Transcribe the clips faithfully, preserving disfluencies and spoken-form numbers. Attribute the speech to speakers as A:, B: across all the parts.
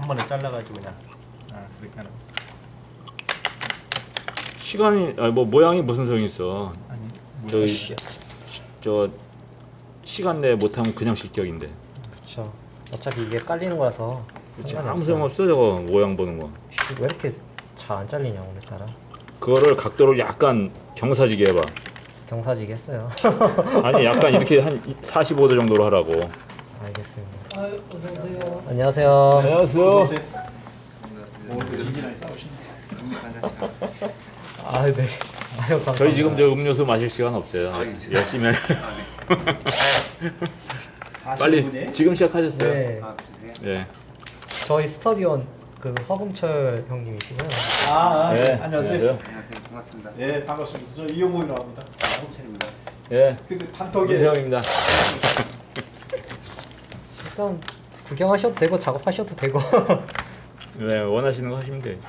A: 한 번에 잘라가지고 그냥 아 그렇게 하는.
B: 시간이 아니 뭐 모양이 무슨 소용이 있어.
A: 아니
B: 저기
A: 씨.
B: 저 시간 내에 못하면 그냥 실격인데.
C: 그렇죠. 어차피 이게 깔리는 거라서
B: 그치,
C: 상관이
B: 아무
C: 없어요.
B: 소용없어 저거 모양 보는 거.
C: 왜 이렇게 잘 안 잘리냐 오늘따라.
B: 그거를 각도를 약간 경사지게 해봐.
C: 경사지겠어요.
B: 아니 약간 이렇게 한 사십오 도 정도로 하라고.
C: 알겠습니다.
D: 아유, 어서 오세요.
C: 안녕하세요.
B: 안녕하세요.
A: 오늘 진진하게 싸우시네.
C: 아 네. 아유 감사합니다.
B: 저희 지금 저 음료수 마실 시간 없어요. 열심히 해. 빨리 지금 시작하셨어요?
C: 네.
B: 네.
C: 저희 스터디원 그 허금철 형님이시고요.
A: 아, 아
B: 네.
A: 네. 안녕하세요.
E: 안녕하세요. 반갑습니다.
A: 예 반갑습니다. 저 이용호라고 합니다.
E: 홍철입니다.
B: 예.
A: 근데 단톡에
B: 이세영입니다.
C: 일단 구경하셔도 되고 작업하셔도 되고.
B: 네, 원하시는 거 하시면 돼.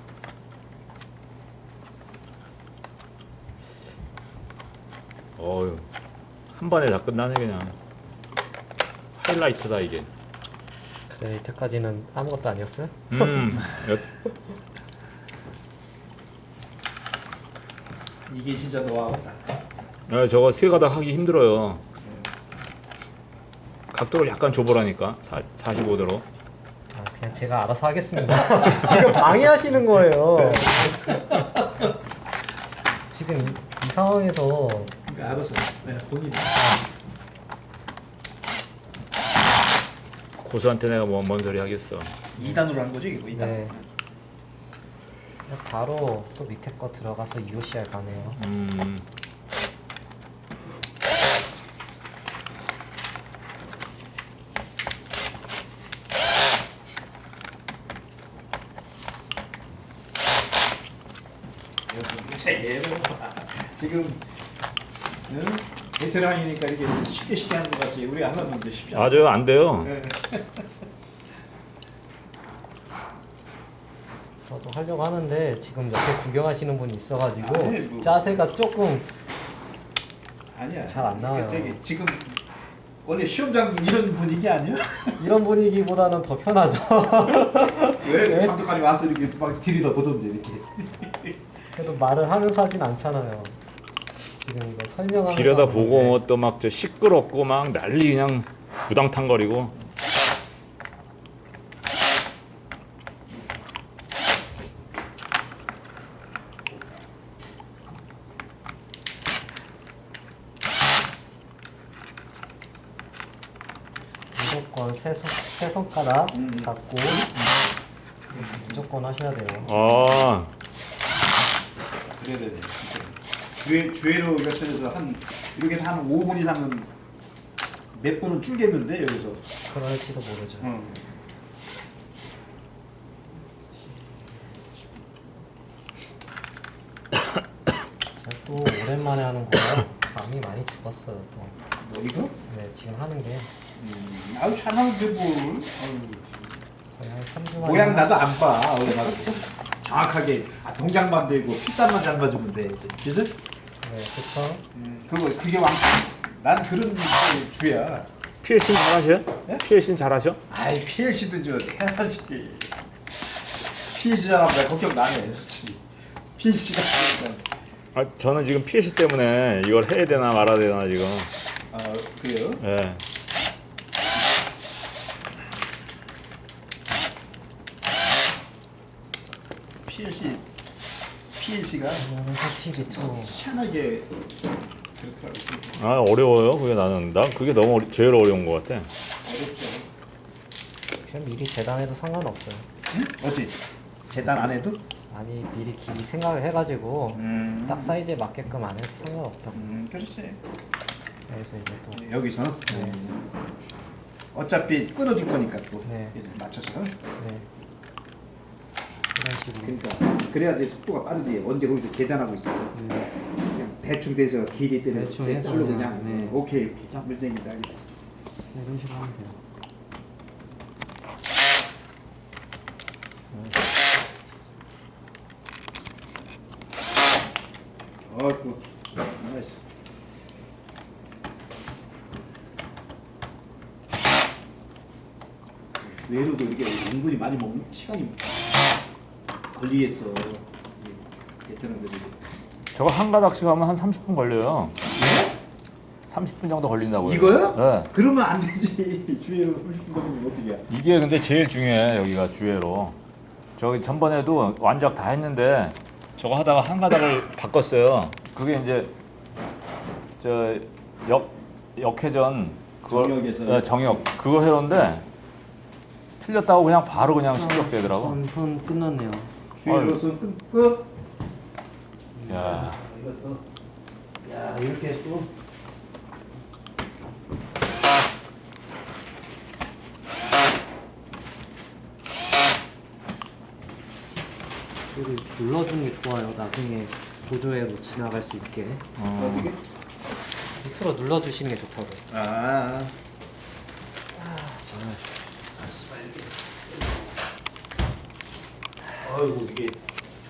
B: 어유, 한 번에 다 끝나네 그냥. 하이라이트다 이게.
C: 그래 이때까지는 아무것도 아니었어요?
B: 음, 여-
A: 이게 진짜 노하우다.
B: 야, 저거 세 가닥 하기 힘들어요. 각도를 약간 줘보라니까. 사, 사십오 도로.
C: 아 그냥 제가 알아서 하겠습니다. 지금 방해하시는 거예요. 지금 이, 이 상황에서
A: 그러니까 알아서 네, 본인이
B: 고수한테 내가 뭐, 뭔 소리 하겠어.
A: 이 단으로 한 거죠 이거 이 단.
C: 네. 그냥 바로 또 밑에 거 들어가서 이오씨알 가네요.
B: 음,
A: 제일 지금 응? 베테랑이니까 이렇게 쉽게 쉽게 하는 것 같지 우리 안 하면 이제 쉽지 않아.
B: 아주 안 돼요.
A: 네.
C: 저도 하려고 하는데 지금 옆에 구경하시는 분이 있어가지고
A: 아니, 뭐.
C: 자세가 조금
A: 아니야.
C: 잘안 나와요.
A: 그러니까 저기 지금 원래 시험장 이런 분위기 아니야?
C: 이런 분위기보다는 더 편하죠.
A: 왜
C: 네.
A: 감독관이 와서 이렇게 막 들이다 보던데 이렇게.
C: 그래도 말을 하면서 하진 않잖아요. 지금 이거 설명하면서
B: 길에다
C: 하는
B: 보고
C: 건데.
B: 뭐 또 막 저 시끄럽고 막 난리 그냥 부당탕거리고.
C: 무조건 세, 손, 세 손가락
A: 음.
C: 잡고 무조건 하셔야 돼요.
B: 아,
A: 그래야 돼. 주에 주회로 곁들여서 한 이렇게 해서 한 오 분 이상은 몇 분은 줄겠는데 여기서.
C: 그럴지도 모르죠.
A: 응.
C: 제가 또 오랜만에 하는 거라 감이 많이 죽었어요. 또.
A: 뭐 이거?
C: 네, 지금 하는 게
A: 음, 아유 잘하는데 뭘? 아유,
C: 거의 한 삼 주 만에
A: 모양 나도 안 봐. 얼마나 정확하게 아, 동작만 되고 피땀만 잘 맞으면 돼. 이제. 그죠?
C: 네, 그쵸.
A: 음, 그거 그게 왕. 난 그런 게 주야.
B: 피엘씨는 잘하셔요?
A: 네?
B: 피엘씨는 잘하셔?
A: 아이 피엘씨도 저 해야지. 피엘씨 잘하면 내가 걱정 나네, 솔직히. 피엘씨가 그러니까.
B: 아, 저는 지금 피엘씨 때문에 이걸 해야 되나 말아야 되나 지금.
A: 아 그래요?
B: 예.
A: 피엘씨 피엘씨가
C: 티비 투.
A: 희한하게 그렇더라고.
B: 아, 어려워요. 그게 나는 난 그게 너무 어리, 제일 어려운 것 같아.
A: 어렵죠.
C: 그냥 미리 재단해도 상관없어요.
A: 응? 어찌 재단 안 해도?
C: 아니 미리 길이 생각을 해가지고
A: 음.
C: 딱 사이즈에 맞게끔 안 해도 상관없다.
A: 음, 그렇지.
C: 그래서 이제 또
A: 여기서
C: 네.
A: 음. 어차피 끊어줄 거니까 또
C: 네.
A: 이제 맞춰서.
C: 네. 이런 식으로.
A: 그러니까 그래야지 속도가 빠르지. 언제 거기서 재단하고 있어.
C: 음.
A: 그냥 대충 돼서 길이 때문에
C: 대충 해서
A: 자르고
C: 그냥,
A: 그냥
C: 네.
A: 오케이 오케이 문제입니다. 알겠어.
C: 이런 식으로 하면 돼요.
A: 어이구 나이스. 주애로도 이렇게 은근히 많이 먹는 시간이 걸리겠어. 베트남들이.
B: 저거 한 가닥씩 하면 한 삼십 분 걸려요. 삼십 분 정도 걸린다고요.
A: 이거요?
B: 네.
A: 그러면 안 되지. 주애로 삼십 분 걸리면 어떻게 해?
B: 이게 근데 제일 중요해 여기가 주애로. 저기 전번에도 완작 다 했는데 저거 하다가 한 가닥을 바꿨어요. 그게 이제 저 역 역회전 그걸
A: 정역에서.
B: 네, 정역 그거 해오는데 틀렸다고 그냥 바로 그냥 실격되더라고.
C: 손, 손 끝났네요.
A: 주애로서 끝. 끝.
B: 야.
A: 아, 이것도. 야 이렇게 또.
C: 그리고 이렇게 눌러주는 게 좋아요. 나중에 보조회로 지나갈 수 있게.
B: 어.
A: 어떻게?
C: 밑으로 눌러주시는 게 좋다고.
A: 아. 어이구 이게